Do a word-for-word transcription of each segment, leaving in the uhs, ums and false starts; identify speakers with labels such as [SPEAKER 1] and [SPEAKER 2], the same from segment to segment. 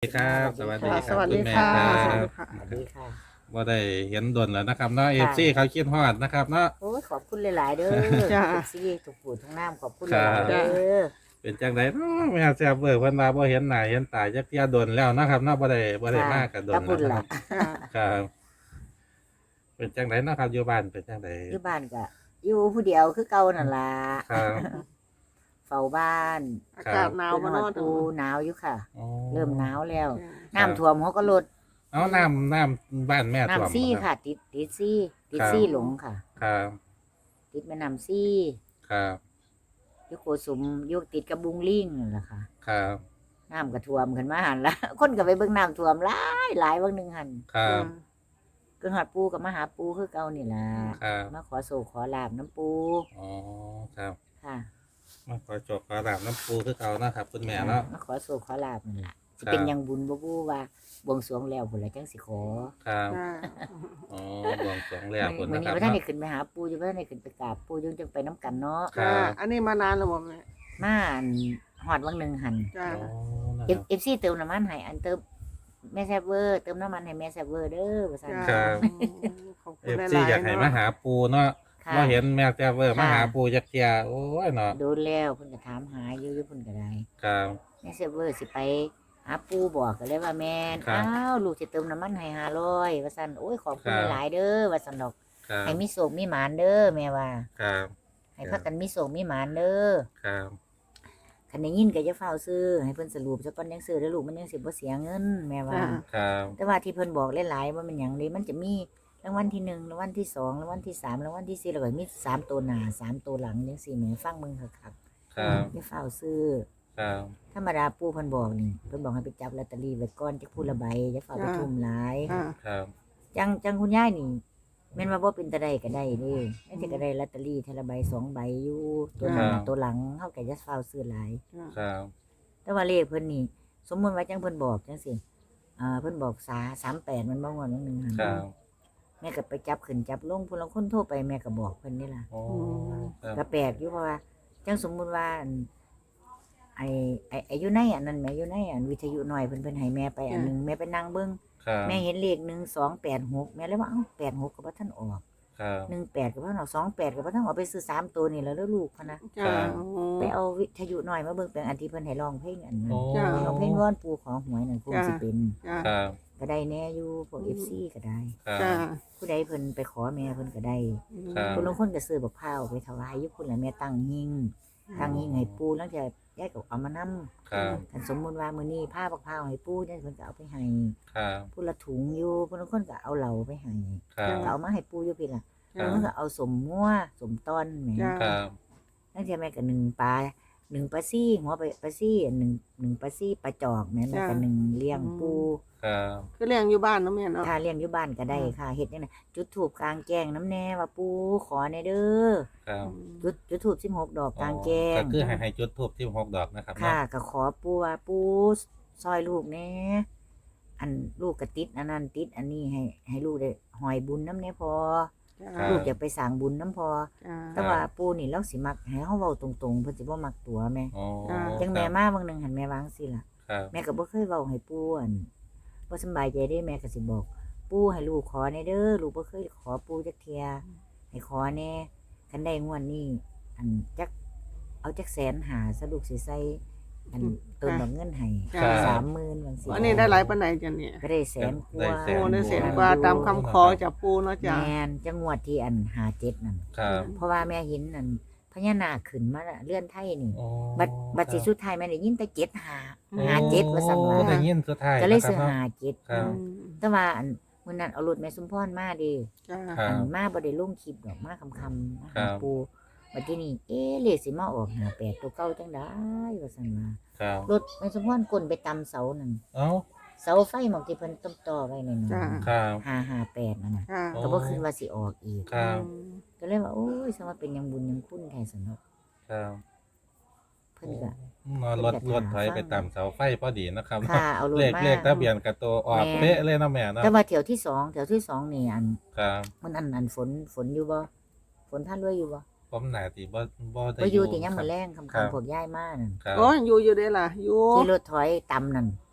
[SPEAKER 1] ครับสวัสดี
[SPEAKER 2] ค่ะ
[SPEAKER 1] ค
[SPEAKER 2] ส
[SPEAKER 1] รับ
[SPEAKER 2] วัส
[SPEAKER 1] คุ
[SPEAKER 2] ดี
[SPEAKER 1] ณแม่
[SPEAKER 2] ค่ะ
[SPEAKER 1] ครั
[SPEAKER 2] สวัส
[SPEAKER 1] บ
[SPEAKER 2] ดีค่ะ
[SPEAKER 3] สวัสดีค่ะ
[SPEAKER 1] ว่าได้เห็นดนแล้วนะครับเนาะเอ
[SPEAKER 3] ค่ะ
[SPEAKER 1] ฟซีเขาคิดฮอดนะครับเนาะ
[SPEAKER 3] โอ้ยขอบคุณหลายๆเด้อ
[SPEAKER 2] จ้า
[SPEAKER 3] เอฟซีทุกผู้ทุกน้ำขอบคุณห
[SPEAKER 1] ครับ
[SPEAKER 3] ลายๆเด้อ
[SPEAKER 1] เป็นจังไดเนาะแม่แซ่บเบิกเพิ่นว่าบ่เห็นหน้าเห็นตาจักเที่ยดนแล้วนะครับเนาะบ่ได้บ่ได้
[SPEAKER 3] ค่ะ
[SPEAKER 1] มากับด
[SPEAKER 3] ถ้าน พู
[SPEAKER 1] แล้ว
[SPEAKER 3] ด
[SPEAKER 1] นะค
[SPEAKER 3] ล่ะ
[SPEAKER 1] รับ
[SPEAKER 2] ค่ะ
[SPEAKER 1] ครับ เป็นจังไดเนาะครับอยู่บ้านเป็นจังได
[SPEAKER 3] อยู่บ้านก็อยู่ผู้เดียวคือเก่านั่นล่ะ
[SPEAKER 1] ครับ
[SPEAKER 3] เฝ้าบ้าน
[SPEAKER 2] อากาศหนาว
[SPEAKER 3] เป็น
[SPEAKER 2] มา
[SPEAKER 3] หอด
[SPEAKER 2] เนาะ
[SPEAKER 3] ปูหนาวอยู่ค่ะ
[SPEAKER 1] อ๋อ
[SPEAKER 3] เริ่มหนาวแล้ว
[SPEAKER 2] จ้า
[SPEAKER 3] น้ำท่วมเขาก็ลด
[SPEAKER 1] เอาน้ำน้ำบ้านแม่ท่วม
[SPEAKER 3] น้ำซี่
[SPEAKER 1] บ่
[SPEAKER 3] ค่ะ ติดติดซี่ติด
[SPEAKER 1] ครับ
[SPEAKER 3] ซี่หลงค่ะ
[SPEAKER 1] ครับ
[SPEAKER 3] ติดแม่น้ำซี่
[SPEAKER 1] ครับ
[SPEAKER 3] อยู่โกสุมอยู่ติดกับบุงลิงนั่นล่ะค่ะ
[SPEAKER 1] ครับ
[SPEAKER 3] น้ำก็ท่วมขึ้นมาหันละ คนก็ไปเบิ่งน้ำท่วมหลายหลายวันหนึ่งหัน
[SPEAKER 1] ครับ
[SPEAKER 3] ก็หอดปูกับมาหาปูคือเก่านี่ล่ะ
[SPEAKER 1] ครับ
[SPEAKER 3] มาขอโศกขอลาบน้ำปู
[SPEAKER 1] อ๋อครับ
[SPEAKER 3] ค่ะ
[SPEAKER 1] มาขอจบขอดาบน้ำปูคือเก่านะครับคุณแม่เนาะ
[SPEAKER 3] มาขอโศกขอลาบนั่นล่ะสิ
[SPEAKER 1] ครับ
[SPEAKER 3] เป็นหยังบุญบ่บูว่าบวงสรวงแล้วพุ่นละจังสิขอ
[SPEAKER 1] ครับ
[SPEAKER 2] จ้า
[SPEAKER 1] อ๋อบวงสรวงแล้วคุณ
[SPEAKER 3] มื้อ
[SPEAKER 1] นะค
[SPEAKER 3] นี้
[SPEAKER 1] รับ
[SPEAKER 3] บ่ทัน
[SPEAKER 1] เนาะ
[SPEAKER 3] ได้ขึ้นไปหาปูอยู่บ่ทันได้ขึ้นไปกราบปูยังจังไปน้ำกันเนาะ
[SPEAKER 1] ครั
[SPEAKER 2] จ้า
[SPEAKER 1] บ
[SPEAKER 2] อันนี้มานานแล้วบ่แม่
[SPEAKER 3] มาอันฮอดวังหนึงหัน
[SPEAKER 2] จ้า
[SPEAKER 1] อ๋อนะ
[SPEAKER 3] เอ
[SPEAKER 1] ค
[SPEAKER 3] ฟ
[SPEAKER 1] รับ
[SPEAKER 3] เอฟซีเติมน้ำมันให้อันเติมแม่แซ่บเวอร์เติมน้ำมันให้แม่แซ่บเวอร์เด้อว่าซั่น
[SPEAKER 2] จ้า
[SPEAKER 1] ครับ
[SPEAKER 2] ขอบคุ
[SPEAKER 1] เอ
[SPEAKER 2] ณ
[SPEAKER 1] ฟ
[SPEAKER 2] ห
[SPEAKER 1] ซี
[SPEAKER 2] ลายๆ
[SPEAKER 1] อยากให้มาหาปูเนาะ
[SPEAKER 3] ค่ะ
[SPEAKER 1] มาเห็นแม่แจ้เวอร์
[SPEAKER 3] ค่ะ
[SPEAKER 1] มาหาปูจักเทียโอ้ยเนาะ
[SPEAKER 3] โดนแล้วเพิ่นก็ถามหาอยู่อยู่เพิ่นก็ได้
[SPEAKER 1] ครับ
[SPEAKER 3] แม่แซ่บเวอร์สิไปหาปูบอกก็เลยว่าแม่น
[SPEAKER 1] ครับ
[SPEAKER 3] อ้าวลูกสิเติมน้ำมันให้ห้าร้อยว่าซั่นโอ้ยขอบคุณ
[SPEAKER 1] ครับ
[SPEAKER 3] หลายๆเด้อว่าซั่นดอก
[SPEAKER 1] ครับ
[SPEAKER 3] ให้มีโศกมีหมานเด้อแม่ว่า
[SPEAKER 1] ครับ
[SPEAKER 3] ให้พักกันมีโศกมีหมานเด้อ
[SPEAKER 1] ครับ
[SPEAKER 3] คันได้ยินก็จะเฝ้าซื้อให้เพิ่นสรุปซะก่อนยังซื้อเด้อลูกมันยังสิบ่เสียเงินแม่ว่า
[SPEAKER 2] จ้า
[SPEAKER 1] ครับ
[SPEAKER 3] แต่ว่าที่เพิ่นบอกหลายๆว่ามันหยังเด้มันจะมีรางวัลที่หนึ่งรางวัลที่สองรางวัลที่สามรางวัลที่สี่แล้วก็มีสามตัวหน้าสามตัวหลังจังซี่แหมฟังมึงคัก
[SPEAKER 1] ครับ
[SPEAKER 3] ๆอย่าเฝ้าซื้อ
[SPEAKER 1] ครับ
[SPEAKER 3] ธรรมดาปู่เพิ่นบอกนี่เพิ่นบอกให้ไปจับลอตเตอรี่ไว้ก่อนจักผู้ละใบอย่าเฝ้าไปทุ่มหลาย
[SPEAKER 2] จ้า
[SPEAKER 1] ครับ
[SPEAKER 3] จังจังคุณยายนี่แม่นว่าบ่เป็นตาใดก็ได้เด้แม่นสิก็ได้ลอตเตอรี่เทอละใบสองใบอยู่ตัวหน้าตัวหลังเฮาก็อย่าเฝ้าซื้อหลาย
[SPEAKER 1] ครับ
[SPEAKER 3] แต่ว่าเลขเพิ่นนี่ สมมุติว่าจังเพิ่นบอกจังซี่อ่าเพิ่นบอกสาสามแปดมันบ่งวดนึงนึงหั่น
[SPEAKER 1] ครับ
[SPEAKER 3] แม่ก็ไปจับขึ้นจับลงผู้ลางคนโทรไปแม่ก็บอกเพิ่นนี่ล่ะ
[SPEAKER 1] โอ้ครับ
[SPEAKER 3] ก็แปลกอยู่เพราะว่าจังสมมุติว่าอันไอ้ไอ้ไอ้อยู่ในอันนั้นแม่อยู่ในอันวิทยุหน่อยเพิ่นเพิ่นให้แม่ไปอันหนึงแม่ไปนั่งเบิ่ง
[SPEAKER 1] ครับ
[SPEAKER 3] แม่เห็นเลขหนึ่ง สอง แปด หกแม่เลยว่าเอ้าแปด หกก็บ่ทันออก
[SPEAKER 1] ครับ
[SPEAKER 3] หนึ่ง แปดก็บ่ทันออกสอง แปดก็บ่ทันออกไปซื้อสามตัวนี่แล้วเด้อลูกพะนะ
[SPEAKER 2] จ้า
[SPEAKER 3] ไปเอาวิทยุหน่อยมาเบิ่งเป็นอันที่เพิ่นให้ร้องเพลงอันนั้น
[SPEAKER 1] โอ้
[SPEAKER 2] จ้า
[SPEAKER 3] ร้องเพลงวอนปู่ขอหวยนั่นคงสิเป็น
[SPEAKER 2] จ้า
[SPEAKER 1] ครับ
[SPEAKER 3] ก็ได้แน่อยู่พวก เอฟ ซี ก็ได้
[SPEAKER 1] ครับ
[SPEAKER 2] จ้า
[SPEAKER 3] ผู้ใดเพิ่นไปขอแม่เพิ่นก็ได้
[SPEAKER 1] ครับ
[SPEAKER 3] คนลางคนก็ซื้อบักพร้าวไปถวายอยู่พุ่นล่ะแม่ตั้งหิ้งตั้งหิ้งให้ปู่แล้วจะยายก็เอามานำ
[SPEAKER 1] ครับ
[SPEAKER 3] คันสมมุติว่ามื้อนี้พาบักพร้าวให้ปู่ยายเพิ่นก็เอาไปให้
[SPEAKER 1] ครับ
[SPEAKER 3] ผู้ละถุงอยู่ผู้ลางคนก็เอาเหล้าไปให้
[SPEAKER 1] ครับ
[SPEAKER 3] ก็เอามาให้ปู่อยู่พี่ล่ะ
[SPEAKER 1] ครับ
[SPEAKER 3] แล้วมันก็เอาสมงัวสมต้นแหม
[SPEAKER 2] จ้า
[SPEAKER 1] ครับ
[SPEAKER 3] นั่นจะแม่ก็หนึ่งปลาหนึ่งปลาซี่หัวปลาปลาซี่หนึ่งหนึ่งปลาซี่ปลาจอกแม่แม่ก็หนึ่งเลี้ยงปู
[SPEAKER 1] ครับ
[SPEAKER 2] คือเลี้ยงอยู่บ้านเนาะแม่เนาะ
[SPEAKER 3] ถ้าเลี้ยงอยู่บ้านก็ได้ค่ะเฮ็ดจังได๋จุดธูปกลางแจ้งน้ำแน่ว่าปูขอแน่เด้อ
[SPEAKER 1] ครับ
[SPEAKER 3] จุดจุดธูปสิบหกดอกกลางแจ้
[SPEAKER 1] ก็
[SPEAKER 3] ง
[SPEAKER 1] คือให้ให้จุดทูบที่หกดอกนะครับ
[SPEAKER 3] ค่ะ
[SPEAKER 1] เนาะ
[SPEAKER 3] ก็ขอปูว่าปูซอยลูกแน่อันลูกก็ติดอันนั้นติดอันนี้ให้ให้ลูกได้หอยบุญน้ำแน่พอ
[SPEAKER 2] จ้า
[SPEAKER 3] ลูกอยากไปสร้างบุญน้ำพอ
[SPEAKER 2] จ้า
[SPEAKER 3] แต่ว่าปูนี่เราสิมักให้เฮาเว้าตรงๆเพิ่นสิบ่มักตัวแม่
[SPEAKER 1] โอ้
[SPEAKER 3] จังแม่มาบางหนึงหันแม่วางสิล่ะ
[SPEAKER 1] ครับ
[SPEAKER 3] แม่ก็บ่เคยเว้าให้ปู่อั่นบ่สำบายใจเด้แม่ก็สิบอก ปู่ให้ลูกขอแน่เด้อลูกบ่เคยขอปู่จักเที่ยให้ขอแน่คันได้งวดนี้อันจักเอาจักแสนหาซะลูกสิใส่อันเติมดอกเงินให้
[SPEAKER 2] จ้า
[SPEAKER 3] สามหมื่นบางสิ
[SPEAKER 2] อันนี้ได้หลายปานใดจ้ะเนี่ย
[SPEAKER 3] ก็ได้แสนกว่า
[SPEAKER 2] โอ้ได้แสนกว่าตามคำขอจากปูเนาะจ้า
[SPEAKER 3] แม่นจังงวดที่อันห้าเจ็ดนั่น
[SPEAKER 1] ครับ
[SPEAKER 3] เพราะว่าแม่เห็นนั่นพญานาคขึ้นมาเลื่อนไทยนี่
[SPEAKER 1] โอ้
[SPEAKER 3] บัดบัดสิสุดท้ายแม่ได้ยินแต่เจ็ดห้า
[SPEAKER 2] โอ้
[SPEAKER 3] ห้าเจ็ดว่าซั่นว่า
[SPEAKER 1] ได้ยินสุดท้าย
[SPEAKER 3] ก็เลย
[SPEAKER 1] นะครั
[SPEAKER 3] ซื้
[SPEAKER 1] บ
[SPEAKER 3] อ
[SPEAKER 1] เนาะ
[SPEAKER 3] ห้าเจ็ด
[SPEAKER 1] ครับ
[SPEAKER 3] แต่ว่าอันมื้อนั้นเอารถแม่สมพรมาเดิ
[SPEAKER 2] จ้า
[SPEAKER 1] ครับ
[SPEAKER 3] อันมาบ่ได้ลงคลิปดอกมาคำๆมา
[SPEAKER 1] ครั
[SPEAKER 3] หา
[SPEAKER 1] บ
[SPEAKER 3] ปูบัดทีนี้เอ๊ะเลขสิมาออกห้าแปดตัวเก่าจังได๋ว่าซั่นว่า
[SPEAKER 1] ครับ
[SPEAKER 3] รถแม่สมพรกลนไปตำเสานั่น
[SPEAKER 1] เอ้า
[SPEAKER 3] เสาไฟหมองที่เพิ่นต้มต่อไว้นั่น
[SPEAKER 2] จ้า
[SPEAKER 3] น่ะ
[SPEAKER 1] ครับ
[SPEAKER 3] ห้าห้าแปดนั่นน่ะ
[SPEAKER 2] จ้า
[SPEAKER 1] โอ้
[SPEAKER 3] ก็บ่คิดว่าสิออกอีก
[SPEAKER 1] ครับ
[SPEAKER 3] ก็เลยว่าโอ้ยสมว่าเป็นหยังบุญหยังคุณแท้สนก
[SPEAKER 1] ครับ
[SPEAKER 3] เพิ่นก็
[SPEAKER 1] นอนรถรถถอยไปตามเสาไฟพอดีนะครับ
[SPEAKER 3] ค่ะเอารถ
[SPEAKER 1] เลข
[SPEAKER 3] มา
[SPEAKER 1] เลขทะเบียนกับตัวออก
[SPEAKER 3] แม่
[SPEAKER 1] เป๊ะเลยเนาะแม่เนาะ
[SPEAKER 3] แต่ว่าแถวที่สองแถวที่สองนี่อัน
[SPEAKER 1] ครับ
[SPEAKER 3] มันอันอันฝนฝนอยู่บ่ฝนท่านรวยอยู่บ่
[SPEAKER 1] ผมหนาติบ่บ่ได้
[SPEAKER 3] บ่อยู่ที่ยาม
[SPEAKER 1] ครั
[SPEAKER 3] มื้
[SPEAKER 1] บ
[SPEAKER 3] อแรง
[SPEAKER 1] ครั
[SPEAKER 3] ค่ำ
[SPEAKER 1] บ
[SPEAKER 3] ๆพวกย้ายมานั่น
[SPEAKER 1] ครับ
[SPEAKER 2] โอ้ยอยู่อยู่เด้ล่ะอยู่
[SPEAKER 3] ที่รถถอยต่ำนั่น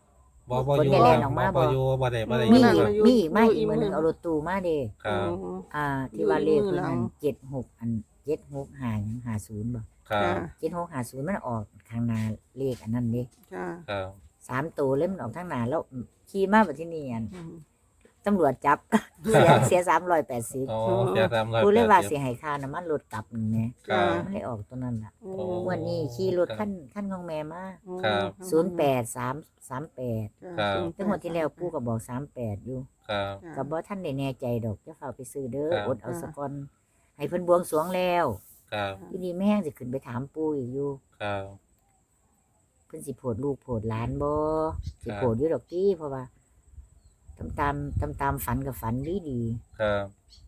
[SPEAKER 1] บ่บ่
[SPEAKER 3] คน
[SPEAKER 1] อยู่
[SPEAKER 3] ได้แล่นออกมา
[SPEAKER 1] บ่
[SPEAKER 3] บ่
[SPEAKER 1] อยู่บ่ได้บ่ได้
[SPEAKER 3] มี
[SPEAKER 1] อยู่
[SPEAKER 3] อีก
[SPEAKER 2] อยู่
[SPEAKER 3] มีอีกมา
[SPEAKER 2] อยู่
[SPEAKER 3] อีกมื้อหนึง
[SPEAKER 2] อีกมื้อ
[SPEAKER 3] เอารถตู้มาเด้
[SPEAKER 1] ครับ
[SPEAKER 2] อืม
[SPEAKER 3] อ่า ที่ว่าเลข
[SPEAKER 2] อยู่
[SPEAKER 3] เพิ่น
[SPEAKER 2] หลั
[SPEAKER 3] อั
[SPEAKER 2] ง
[SPEAKER 3] นเจ็ดหกอันเจ็ดหกห้าหยังห้าศูนย์บ่
[SPEAKER 1] ครับ
[SPEAKER 3] เจ็ดหกห้าศูนย์มันออกข้างหน้าเลขอันนั้นเด้
[SPEAKER 2] จ้า
[SPEAKER 1] ครับ
[SPEAKER 3] สามตัวเลยมันออกทางหน้าแล้วขี่มาบัดที่นี่อัน
[SPEAKER 2] อืม
[SPEAKER 3] ตำรวจจับ เสียเสียสามร้อยแปดสิบ
[SPEAKER 1] อ๋อเสียตามร้อย
[SPEAKER 3] กูเลยว่า
[SPEAKER 1] แปด
[SPEAKER 3] สิให้ค่าน้ำมันรถกลับนั่นแหละ
[SPEAKER 1] ครับ
[SPEAKER 3] มันเลยออกตัวนั้นล่ะ
[SPEAKER 2] โอ้
[SPEAKER 1] โอ้
[SPEAKER 3] วันนี้ขี่รถคันคันของแม่มา
[SPEAKER 1] ครับ
[SPEAKER 3] ศูนย์แปดสามสามแปด
[SPEAKER 1] ครับ
[SPEAKER 3] จังหวัดที่แล้วปู่ก็บอกสามแปดอยู่
[SPEAKER 1] ครับ
[SPEAKER 3] ก็บ่ทันได้แน่ใจดอกจะเฝ้าไปซื้อเด้อ
[SPEAKER 1] ครับ
[SPEAKER 3] อดเอาสะก่อนให้เพิ่นบวงสรวงแล้ว
[SPEAKER 1] ครับ
[SPEAKER 3] ทีนี้แม่งสิขึ้นไปถามปู่อีกอยู่
[SPEAKER 1] ครับ
[SPEAKER 3] เพิ่นสิโพดลูกโพดหลานบ่สิ
[SPEAKER 1] ครับ
[SPEAKER 3] โพดอยู่ดอกติเพราะว่าตามตามตามตามฝันกับฝันดีดี
[SPEAKER 1] ครับ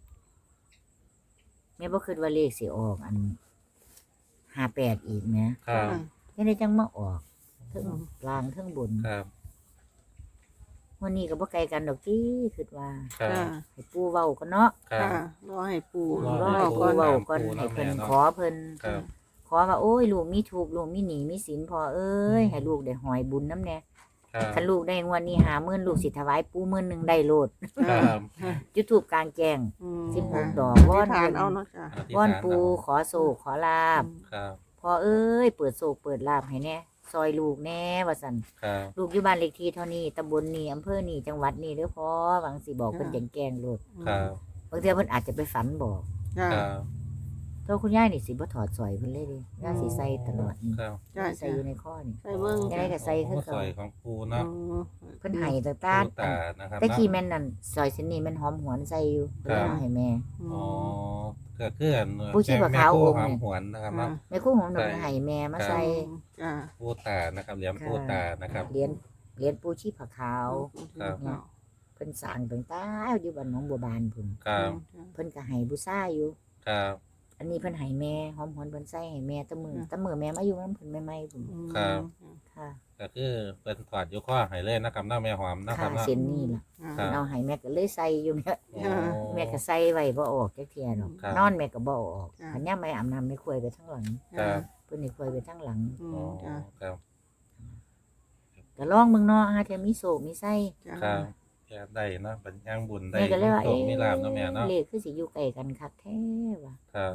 [SPEAKER 3] ๆแม่บ่คิดว่าเลขสิออกอันห้าแปดอีกแหม
[SPEAKER 1] ครับ
[SPEAKER 3] ยังได้จังมาออกเทั้งล่างเทั้งบน
[SPEAKER 1] ครับ
[SPEAKER 3] วันนี้ก็บ่ไกลกันดอกติคิดว่า
[SPEAKER 1] ครับ
[SPEAKER 2] จ้า
[SPEAKER 3] ให้ปู่เว้าก่อนเนาะ
[SPEAKER 1] ครับ
[SPEAKER 2] ค่ะรอให้ปู
[SPEAKER 1] รอ
[SPEAKER 3] รอ
[SPEAKER 1] ให้
[SPEAKER 3] ให้
[SPEAKER 1] ปู่
[SPEAKER 3] ปู่เว้า
[SPEAKER 1] ถาม
[SPEAKER 3] ก่อน
[SPEAKER 1] ปู่
[SPEAKER 3] ให้เพิ่น
[SPEAKER 1] เนาะแม่เนาะ
[SPEAKER 3] ขอเพิ่น
[SPEAKER 1] ครับ
[SPEAKER 3] ขอว่าโอ้ยลูกมีทุกข์ลูกมีหนี้มีสินพอเอ้ยให้ลูกได้หอยบุญน้ำแน่
[SPEAKER 1] ครับ
[SPEAKER 3] คันลูกได้งวดนี้หาหมื่นลูกสิถวายปู่หมื่นหนึงได้โลด
[SPEAKER 1] ครับ
[SPEAKER 3] จุดธูปกลางแจ้ง
[SPEAKER 2] อืม
[SPEAKER 3] สิบหกดอก
[SPEAKER 2] อ
[SPEAKER 3] วอน
[SPEAKER 2] ธิษฐานเอาเนาะจ้า
[SPEAKER 1] อธิษ
[SPEAKER 3] วอน
[SPEAKER 1] ฐา
[SPEAKER 3] ปู่ขอโศกขอลาบ
[SPEAKER 1] ครับ
[SPEAKER 3] พอเอ้ยเปิดโศกเปิดลาบให้แน่ซอยลูกแน่ว่าซั่น
[SPEAKER 1] ครับ
[SPEAKER 3] ลูกอยู่บ้านเลขที่เท่านี้ตำบลนี้อำเภอนี้จังหวัดนี้เด้อพ่อหวังสิบอกเพิ่นแจ้งๆโลด
[SPEAKER 1] ครับ
[SPEAKER 3] บางเทื่อเพิ่นอาจจะไปฝันบอก
[SPEAKER 2] จ้า
[SPEAKER 1] ครับ
[SPEAKER 3] ตัวคุณยายนี่สิบ่ถอดสร้อยเพิ่นเลยเดิย่าสิใส่ตลอดนี่
[SPEAKER 1] ครับ
[SPEAKER 2] จ้า
[SPEAKER 3] ใส่อยู่ในข้อนี่
[SPEAKER 2] ใส่เบิ่ง
[SPEAKER 3] ยังไงก็ใส่คือ
[SPEAKER 1] โอ้
[SPEAKER 3] เก่า
[SPEAKER 1] สอยของปูเนาะ
[SPEAKER 3] เพิ่นให้ตาตา
[SPEAKER 1] ปูตานะครับ
[SPEAKER 3] ตะกี้
[SPEAKER 1] เนาะ
[SPEAKER 3] แม่นนั่นซอยเส้นนี้แม่นหอมหวนใส่อยู่
[SPEAKER 1] ครับ
[SPEAKER 3] เพิ่นเอาให้แม่
[SPEAKER 1] อ๋อก็คืออัน
[SPEAKER 3] ปูชีพขาว
[SPEAKER 1] แม่
[SPEAKER 3] องค์
[SPEAKER 1] ห
[SPEAKER 3] เนี่
[SPEAKER 1] อย มหวนนะครับเนาะ
[SPEAKER 3] แม่ครู่หอมหน
[SPEAKER 1] ใช่
[SPEAKER 3] ให้แม่มาใส่
[SPEAKER 2] จ้า
[SPEAKER 1] ปูตานะครับเหลี่ยมปูตานะครับ
[SPEAKER 3] เหรียญเหรียญปูชีพขาว
[SPEAKER 1] ครับ
[SPEAKER 3] เพิ่นสร้างตั้งแต่อยู่บ้านหนองบัวบานพุ่น
[SPEAKER 1] ครับ
[SPEAKER 3] เพิ่นก็ให้บูชาอยู่
[SPEAKER 1] ครับ
[SPEAKER 3] อันนี้เพิ่นให้แม่หอมหวนเพิ่นใส่ให้แม่แตะมือ
[SPEAKER 2] ครับ
[SPEAKER 3] แตะมือแม่มาอยู่นำเพิ่นใหม่ๆพุ่น
[SPEAKER 1] ครับ
[SPEAKER 3] ค่ะ
[SPEAKER 1] ก็คือเป็นถอดอยู่ข้อให้เลยนะครับเนาะแม่หอมนะครั
[SPEAKER 3] ค่ะ
[SPEAKER 1] บเนาะ
[SPEAKER 3] เส้นนี้ล่ะ
[SPEAKER 1] ครั
[SPEAKER 3] เพิ่
[SPEAKER 1] บ
[SPEAKER 3] นเอาให้แม่ก็เลยใส่อยู่แม่
[SPEAKER 1] โอ้
[SPEAKER 3] แม่ก็ใส่ไว้บ่ออกจักเที่ยดอก
[SPEAKER 1] ครับ
[SPEAKER 3] นอนแม่ก็บ่ออก
[SPEAKER 2] ครับ
[SPEAKER 3] คันยามแม่อาบน้ำแม่ควยไปทางหลัง
[SPEAKER 1] ครับ
[SPEAKER 3] เพิ่นนี่ควยไปทางหลัง
[SPEAKER 1] อ๋อครับ
[SPEAKER 3] ก็ลองเบิ่งเนาะหาเทื่อมีโศกมีไส้
[SPEAKER 1] ครับแก่ได้เนาะเป็นย่างบุญได้
[SPEAKER 3] แม่ก็เลยว่า
[SPEAKER 1] โช
[SPEAKER 3] เอ๊
[SPEAKER 1] คมีลาบเนาะแม่
[SPEAKER 3] ะ
[SPEAKER 1] เนาะ
[SPEAKER 3] เลขคือสิอยู่ใกล้กันคักแท้ว่ะ
[SPEAKER 1] ครับ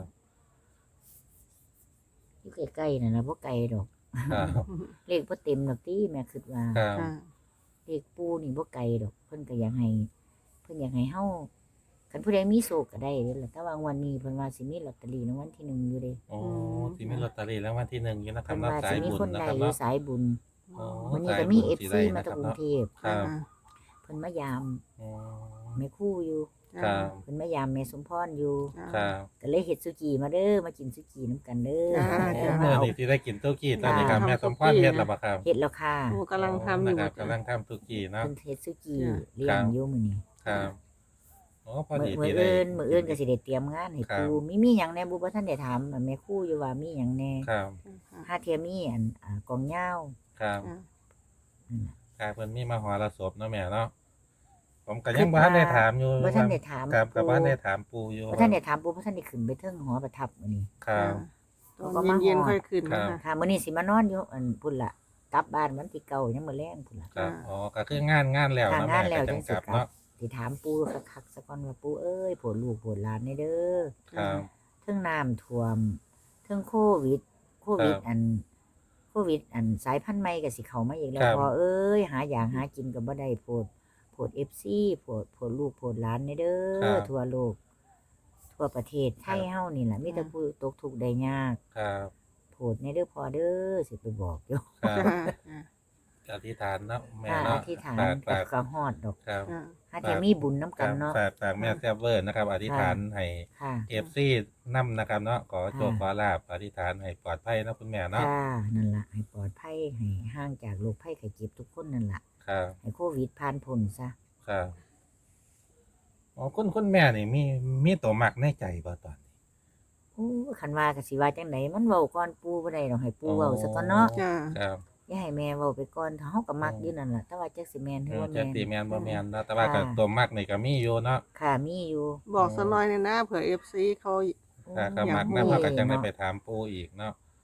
[SPEAKER 3] อยู่ใกล้ๆนั่นน่ะบ่ไกลดอก
[SPEAKER 1] ครับ
[SPEAKER 3] เลขบ่เต็มดอกติแม่คิดว่า
[SPEAKER 1] ครับ
[SPEAKER 3] เลขปู่นี่บ่ไกลดอก เพิ่นก็อยากให้ เพิ่นอยากให้เฮาคันผู้ใดมีโศกก็ได้เด้อล่ะแต่ว่างวันนี้เพิ่นว่าสิมีลอตเตอรี่รางวัลที่หนึ่งอยู่เด้
[SPEAKER 1] โอ้ที่มีลอตเตอรี่แล้ววันที่หนึ่งอยู่นะครั
[SPEAKER 3] เพิ่
[SPEAKER 1] บ
[SPEAKER 3] น
[SPEAKER 1] เนาะ
[SPEAKER 3] ว่า
[SPEAKER 1] สา
[SPEAKER 3] สิ
[SPEAKER 1] ย
[SPEAKER 3] มี
[SPEAKER 1] บุญ
[SPEAKER 3] คน
[SPEAKER 1] นะ
[SPEAKER 3] ใด
[SPEAKER 1] ครับ
[SPEAKER 3] อยู่
[SPEAKER 1] เนาะ
[SPEAKER 3] สายบุญ
[SPEAKER 1] อ๋อ
[SPEAKER 3] วันนี้
[SPEAKER 1] สาย
[SPEAKER 3] ก็มี
[SPEAKER 1] บุญ
[SPEAKER 3] เอฟ
[SPEAKER 1] ที่
[SPEAKER 3] ซี
[SPEAKER 1] ได้
[SPEAKER 3] มา
[SPEAKER 1] นะ
[SPEAKER 3] จาก
[SPEAKER 1] ค
[SPEAKER 3] ก
[SPEAKER 1] รับ
[SPEAKER 3] รุง
[SPEAKER 1] เนาะ
[SPEAKER 3] เทพ
[SPEAKER 1] ครับ
[SPEAKER 3] เพิ่นมายาม
[SPEAKER 1] อ๋อ
[SPEAKER 3] แม่ครู่อยู่
[SPEAKER 1] ครับ
[SPEAKER 3] เพิ่นมายามแม่สมพรอยู่
[SPEAKER 1] ครับ
[SPEAKER 3] ก็เลยเฮ็ดสุกี้มาเด้อมากินสุกี้น้ำกันเด้อ
[SPEAKER 2] จ้า
[SPEAKER 1] โอ้
[SPEAKER 2] จ้า
[SPEAKER 1] เมื่อนี้ที่ได้กินตุกี้ตอนนี้ครับ
[SPEAKER 2] ค่ะ
[SPEAKER 1] แม่สมพรเฮ็ดแล้วบ่ครับ
[SPEAKER 3] เฮ็ดแล้วค่ะ
[SPEAKER 2] โอ้กำลังทำอยู่
[SPEAKER 1] นะครับกำลังทำตุกี้เนาะ
[SPEAKER 3] เพิ่นเฮ็ดสุกี้
[SPEAKER 2] จ้ะ
[SPEAKER 3] เลี้ยงอยู่มื้อนี้
[SPEAKER 1] ครับโอ้พอ
[SPEAKER 3] มื้อ
[SPEAKER 1] ดี
[SPEAKER 3] มื้อ
[SPEAKER 1] ที่ได้
[SPEAKER 3] อื่นมื้ออื่นก็สิได้เตรียมงานให้
[SPEAKER 1] ครับ
[SPEAKER 3] ปู่มีมีหยังแหน่บ่บ่ทันได้ถามแม่ครู่อยู่ว่ามีหยังแหน่
[SPEAKER 1] ครับ
[SPEAKER 3] หาเทียมีอันอ่ากองยาว
[SPEAKER 1] ครับ
[SPEAKER 3] นั่นน่ะ
[SPEAKER 1] ครับเพิ่นมีมาหอระศพเนาะแม่เนาะผมก็ยังบ่ทันได้ถามอยู่
[SPEAKER 3] บ่ทันได้ถาม
[SPEAKER 1] ครับก็บ่ทันได้
[SPEAKER 3] ปู่
[SPEAKER 1] ถามปู่อยู่
[SPEAKER 3] บ่ทันได้ถามปู่บ่ทันได้ขึ้นไปเทิงหอประทับมื้อนี้
[SPEAKER 1] ครับ
[SPEAKER 2] ตอนเย็นๆค่อยขึ้น
[SPEAKER 1] ครั
[SPEAKER 2] นะ
[SPEAKER 1] บ
[SPEAKER 2] คะ
[SPEAKER 3] ค่ะมื้อนี้สิมานอนอยู่อันพุ่นล่ะกลับบ้านวันที่เก้ายังมื้อแลงพุ่นล่ะ
[SPEAKER 1] ครับ
[SPEAKER 2] อ่า
[SPEAKER 1] อ๋อก็คืองานงานแล้ว
[SPEAKER 3] ค่ะ
[SPEAKER 1] เนาะ
[SPEAKER 3] งา
[SPEAKER 1] แม่
[SPEAKER 3] นแล้ว
[SPEAKER 1] ก็
[SPEAKER 3] จั
[SPEAKER 1] จั
[SPEAKER 3] ง
[SPEAKER 1] ง
[SPEAKER 3] สิ
[SPEAKER 1] กลับ
[SPEAKER 3] กลับ
[SPEAKER 1] เนาะ
[SPEAKER 3] สิถามปู่คักๆซะก่อนว่าปู่เอ้ยโผดลูกโผดหลานแน่เด้อ
[SPEAKER 1] ครับ
[SPEAKER 3] เทิงน้ำท่วมเทิงโควิด โควิด
[SPEAKER 1] ครับ
[SPEAKER 3] อันโควิด อันสายพันธุ์ใหม่ก็สิเข้ามาอีกแล้
[SPEAKER 1] คว รับ
[SPEAKER 3] พอเอ้ยหาอย่างหากินก็บ่ได้โพดโพด เอฟ ซี โพดโพดลูกโพดหลานแน่เด้อทั่วโลก ทั่วประเทศไทยเฮานี่ล่ะมีแต่ผู้ตกทุกข์ได้ยาก
[SPEAKER 1] ครับ
[SPEAKER 3] โพดแน่เด้อพอเด้อสิไปบอกอยู่
[SPEAKER 1] ครับ
[SPEAKER 2] จ้า
[SPEAKER 1] อธิษฐานเนาะแม่
[SPEAKER 3] ถ้าอ
[SPEAKER 1] เนาะ
[SPEAKER 3] ธิษฐาน
[SPEAKER 1] ฝาก
[SPEAKER 3] ก็
[SPEAKER 1] ฝาก
[SPEAKER 3] ก็ฮอดดอก
[SPEAKER 1] ครับ
[SPEAKER 2] จ้า
[SPEAKER 3] หาแต่มีบุญนํกันเนาะ
[SPEAKER 1] ฝากฝากแม่แซ่บเวอร์นะครับ อธิษฐานให้
[SPEAKER 3] ค่ะ
[SPEAKER 1] เอฟซีนํนะครับเนาะขอโชค
[SPEAKER 3] ค่ะ
[SPEAKER 1] ขอลาบอธิษฐานให้ปลอดภัยนะคุณแม่เนาะ
[SPEAKER 3] ค่ะนั่นล่ะให้ปลอดภัยให้ห่างจากโรคภัยไข้เจ็บทุกคนนั่นล่ะ
[SPEAKER 1] ครับ
[SPEAKER 3] ให้โควิดผ่านพ้นซะ
[SPEAKER 1] ครับอ๋อคุณคุณแม่นี่มีมีตัวมักในใจบ่ตอนนี้
[SPEAKER 3] โอ้คันว่าก็สิว่าจังไดมันเว้าก่อนปู่บ่ได้ดอกให้ปู่เว้าซะก่อนเนาะ
[SPEAKER 2] จ้า
[SPEAKER 1] ครับ
[SPEAKER 3] อย่าให้แม่เว้าไปก่อนถ้าเฮาก็มัก
[SPEAKER 1] อืม
[SPEAKER 3] อยู่นั่นล่ะแต่ว่าจักสิแม่นห
[SPEAKER 1] เอ
[SPEAKER 3] รือ
[SPEAKER 1] อ
[SPEAKER 3] ว่า
[SPEAKER 1] จะ
[SPEAKER 3] แม่น
[SPEAKER 1] ตีแมนบ่แมนเนาะแต่ว่าก็
[SPEAKER 3] ค่ะ
[SPEAKER 1] ตัวมักนี่ก็มีอยู่เนาะ
[SPEAKER 3] ค่ะมีอยู่
[SPEAKER 2] บอกสักหน่อยเนี่ยนะเผื่อเอฟซีเขา
[SPEAKER 1] ถ้าก็
[SPEAKER 2] อยาก
[SPEAKER 1] มัก
[SPEAKER 2] รู้
[SPEAKER 1] นำเขาก็จังได้
[SPEAKER 3] เนาะ
[SPEAKER 1] ไปถามปู่อีกเนาะ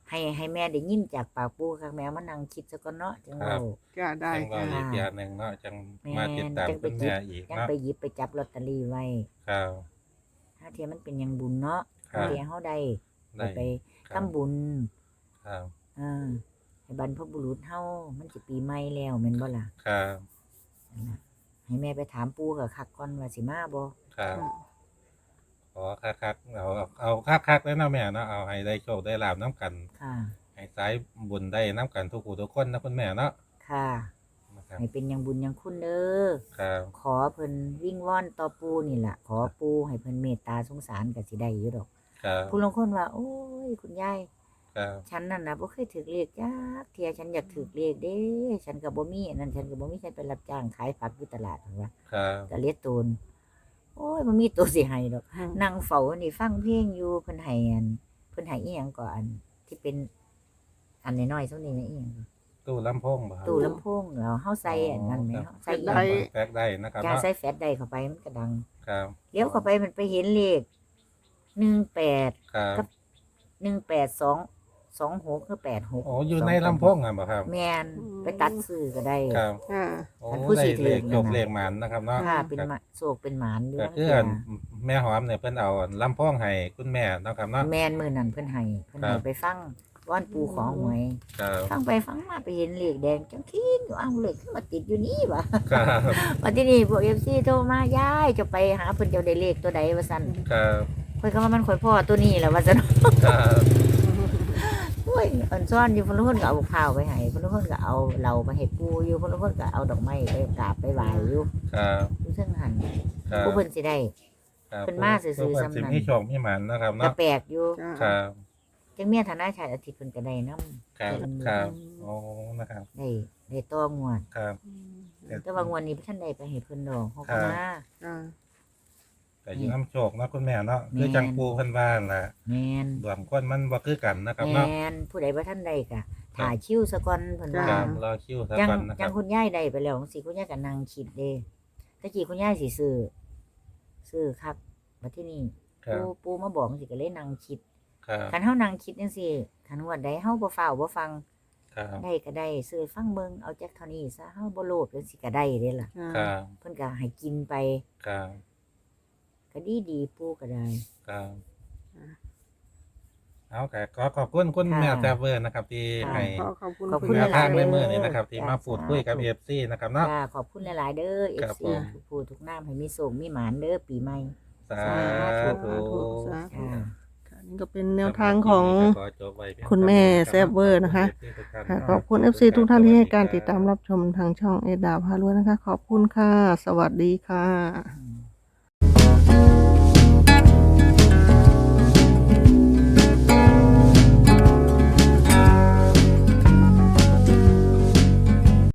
[SPEAKER 3] ให้ให้แม่ได้ยินจากปากปู่ค่ะแม่มานั่งคิดซะก่อนเนาะจังเว้า
[SPEAKER 2] จ้าได้
[SPEAKER 1] จังว่า
[SPEAKER 2] จ้า
[SPEAKER 1] อีกอย่างหนึงเนาะจัง
[SPEAKER 3] แม่
[SPEAKER 1] มาติดตาม
[SPEAKER 3] จังไป
[SPEAKER 1] คุณ
[SPEAKER 3] หยิ
[SPEAKER 1] แม่
[SPEAKER 3] บ
[SPEAKER 1] อีก
[SPEAKER 3] ยัง
[SPEAKER 1] เนาะ
[SPEAKER 3] ไปหยิบไปจับลอตเตอรี่ไว้
[SPEAKER 1] ครับ
[SPEAKER 3] ถ้าเทียมันเป็นหยังบุญเนาะ
[SPEAKER 1] ครับ
[SPEAKER 3] เทียเฮาได้
[SPEAKER 1] ได้
[SPEAKER 3] ไป
[SPEAKER 1] ครั
[SPEAKER 3] ทำ
[SPEAKER 1] บ
[SPEAKER 3] บุญ
[SPEAKER 1] ครับ
[SPEAKER 3] เออให้บรรพบุรุษเฮามันสิปีใหม่แล้วแม่นบ่ล่ะ
[SPEAKER 1] ครับ
[SPEAKER 3] นั่นล่ะให้แม่ไปถามปู่กับคักก่อนว่าสิมาบ่
[SPEAKER 1] ครับขอคักๆเอาเอาคักๆแล้วเนาะแม่เนาะเอาให้ได้โชคได้ลาบน้ำกัน
[SPEAKER 3] ค่ะ
[SPEAKER 1] ให้สายบุญได้น้ำกันทุกผู้ทุกคนนะคุณแม่เนาะ
[SPEAKER 3] ค่ะ
[SPEAKER 1] นะครับ
[SPEAKER 3] ให้เป็นหยังบุญหยังคุณเด้อ
[SPEAKER 1] ครับ
[SPEAKER 3] ขอเพิ่นวิ่งว่อนต่อปู่นี่ล่ะ ขอปู่ให้เพิ่นเมตตาสงสารก็สิได้อยู่ดอก
[SPEAKER 1] ครับ
[SPEAKER 3] ผู้ลางคนว่า โอ้ย คุณยาย
[SPEAKER 1] ครับ
[SPEAKER 3] ฉันนั่นน่ะบ่เคยถูกเลขจักเที่ยฉันอยากถูกเลขเด้ ฉันก็บ่มีอันนั้นฉันก็บ่มีฉันไปรับจ้างขายผักอยู่ตลาดหั่นว่า
[SPEAKER 1] ครับ
[SPEAKER 3] ก็เลียตูนโอ้ยบ่มีตัวสิให้ดอก
[SPEAKER 2] อืม
[SPEAKER 3] นั่งเฝ้าอันนี้ฟังเพลงอยู่เพิ่นให้อันเพิ่นให้อีหยังก่อนที่เป็นอันน้อยๆซุนี้นะอีหยัง
[SPEAKER 1] ตู้ลำโพงบ่ครับ
[SPEAKER 3] ตู้ลำโพงแล้วเฮาใส่อันนั้นแหม
[SPEAKER 1] ครับ
[SPEAKER 3] เฮาใส่อีห
[SPEAKER 2] ได้
[SPEAKER 3] ยัง
[SPEAKER 1] แฟกได้นะครับ
[SPEAKER 3] การ
[SPEAKER 1] เนาะ
[SPEAKER 3] ใส่แฟลชได้เข้าไปมันก็ดัง
[SPEAKER 1] ครับ
[SPEAKER 3] เลี้ยวเข้าไปมันไปเห็นเลขหนึ่งแปด
[SPEAKER 1] ครับ
[SPEAKER 3] กับ หนึ่งแปดสอง สองหกหรือแปดหก
[SPEAKER 1] โอ้อยู่ในลำโพงอ่ะบ่ครับ
[SPEAKER 3] แม่นไปตัดซื้อก็ได้
[SPEAKER 1] ครับ
[SPEAKER 2] อ่า
[SPEAKER 1] โอ้
[SPEAKER 3] อันผู้
[SPEAKER 1] ได้
[SPEAKER 3] สิถือ
[SPEAKER 1] เลข
[SPEAKER 3] นั่น
[SPEAKER 1] จบ
[SPEAKER 3] น่ะ
[SPEAKER 1] เลขหมันนะครับเนาะ
[SPEAKER 3] ค่ะเป็นหมาโศกเป็นหมานอยู่
[SPEAKER 1] ก็
[SPEAKER 3] นั่น
[SPEAKER 1] คือ
[SPEAKER 3] คือ
[SPEAKER 1] อันแม่หอมเนี่ยเพิ่นเอาลำโพงให้คุณแม่เนาะครับเนาะ
[SPEAKER 3] แม่นมื้อนั้นเพิ่นให้เพิ่น
[SPEAKER 1] ครั
[SPEAKER 3] ให้
[SPEAKER 1] บ
[SPEAKER 3] ไปฟังว่อนปูของหวย
[SPEAKER 1] ครับ
[SPEAKER 3] ฟังไปฟังมาไปเห็นเลขแดงจังคิงอยู่อ้าวเลขขึ้นมาติดอยู่นี่วะ
[SPEAKER 1] ครับ
[SPEAKER 3] วันที่นี่พวก เอฟ ซี โทรมายายจะไปหาเพิ่นเจ้าได้เลขตัวใดว่าซั่น
[SPEAKER 1] ครับ
[SPEAKER 3] เพิ่นก็ว่ามันข่อยพ่อตัวนี้แหละว่าซั่น
[SPEAKER 1] ครับ
[SPEAKER 3] โอ้ยอันซ่อนอยู่เพิ่นละคนก็เอาข้าวไปให้เพิ่นละคนก็เอาเหล้าไปให้ปูอยู่เพิ่นละคนก็เอาดอกไม้ไปกราบไปไหว้อยู่
[SPEAKER 1] ครับ
[SPEAKER 3] อยู่เทิงหัน
[SPEAKER 1] ครับ
[SPEAKER 3] ผู้เพิ่นสิได้
[SPEAKER 1] ครับ
[SPEAKER 3] เพิ่นมาซื่อๆ
[SPEAKER 1] เพิ่น
[SPEAKER 3] ซ้ำนั้น
[SPEAKER 1] สิมีโชคมีหมันนะครับ
[SPEAKER 3] ก็
[SPEAKER 1] เนาะ
[SPEAKER 3] แปลกอยู่
[SPEAKER 2] จ้า
[SPEAKER 1] ครับ
[SPEAKER 3] จังเมียฐานะชายอาทิตย์เพิ่นก็ได้นำ
[SPEAKER 1] ครับครับโอ้นะครับ
[SPEAKER 3] ได้ได้ต่องวด
[SPEAKER 1] ครับ
[SPEAKER 3] แต่ว่างวดนี้บ่ทันได้ไปให้เพิ่นดอกเฮาก็มา
[SPEAKER 2] จ้า
[SPEAKER 1] แต่อยิงน้ำโชคเนาะคุณแม่เนาะ
[SPEAKER 3] แม่น
[SPEAKER 1] คือจังปูเพิ่นว่าล่ะ
[SPEAKER 3] แม่น
[SPEAKER 1] ดวงคนมันบ่คือกันนะครับ
[SPEAKER 3] แม
[SPEAKER 1] เนาะ
[SPEAKER 3] นผู้ใดบ่ทันได้ก็ถ่ายคิวซะก่อนเพิ่นว่า
[SPEAKER 1] ครับรอคิวซะ
[SPEAKER 3] จัง
[SPEAKER 1] ก่อนนะค
[SPEAKER 3] จั
[SPEAKER 1] รั
[SPEAKER 3] ง
[SPEAKER 1] บ
[SPEAKER 3] คุณยายได้ไปแล้วจังซี่คุณยายก็นั่งคิดเด้ตะกี้คุณยายสิซื้อซื้อคักบัดทีนี้
[SPEAKER 1] ครับ
[SPEAKER 3] ปู่ปู่มาบอกจังซี่ก็เลยนั่งคิด
[SPEAKER 1] ครับ
[SPEAKER 3] คันเฮานั่งคิดจังซี่คันงวดใดเฮาบ่ฟ้าวบ่ฟัง
[SPEAKER 1] ครับ
[SPEAKER 3] ได้ก็ได้ซื้อฟังเบิ่งเอาจักเท่านี้ซะเฮาบ่โลภจังซี่ก็ได้เด้ล่ะ
[SPEAKER 1] ครับ
[SPEAKER 3] เพิ่นก็ให้กินไป
[SPEAKER 1] ครับ
[SPEAKER 3] ก็ดีดีๆปู่ก็ได้
[SPEAKER 1] ครับ
[SPEAKER 2] อ่า
[SPEAKER 1] เอาก็ขอขอบคุณคุณ
[SPEAKER 3] ค่ะ
[SPEAKER 1] แม่แซ่บเวอร์นะครับ ที่
[SPEAKER 3] ค่ะ
[SPEAKER 1] ให้
[SPEAKER 2] ขอขอบคุณ
[SPEAKER 3] ขอบ
[SPEAKER 2] คุ
[SPEAKER 3] คุณ ณ
[SPEAKER 1] แนว
[SPEAKER 3] หลายๆ
[SPEAKER 1] ทางในมือ
[SPEAKER 3] เด้อ
[SPEAKER 1] นี้นะครับ ที่มา
[SPEAKER 3] จ้า
[SPEAKER 1] พูดคุยกับ
[SPEAKER 3] สาธุ
[SPEAKER 1] เอฟซีนะครับเนาะ
[SPEAKER 3] จ้าขอบคุณหลายๆเด้อ
[SPEAKER 1] ครับ
[SPEAKER 3] เอฟ ซี
[SPEAKER 1] ผม
[SPEAKER 3] ทุกผู้ทุกน้ำให้มีโชคมีหมานเด้อปีใหม่
[SPEAKER 1] สา
[SPEAKER 2] สา
[SPEAKER 1] ธุ
[SPEAKER 2] ธุสาธุ
[SPEAKER 3] ค่ะ
[SPEAKER 2] ค่ะนี่ก็เป็นแนวทางของ
[SPEAKER 1] ขอจบไว้เพียง
[SPEAKER 2] คุณแม่แซ่บเวอร์นะคะ ค่ะขอบคุณ เอฟ ซี ทุกท่านที่ให้การติดตามรับชมทางช่องเอดาพารวยนะคะ ขอบคุณค่ะ สวัสดีค่ะ
[SPEAKER 3] อืม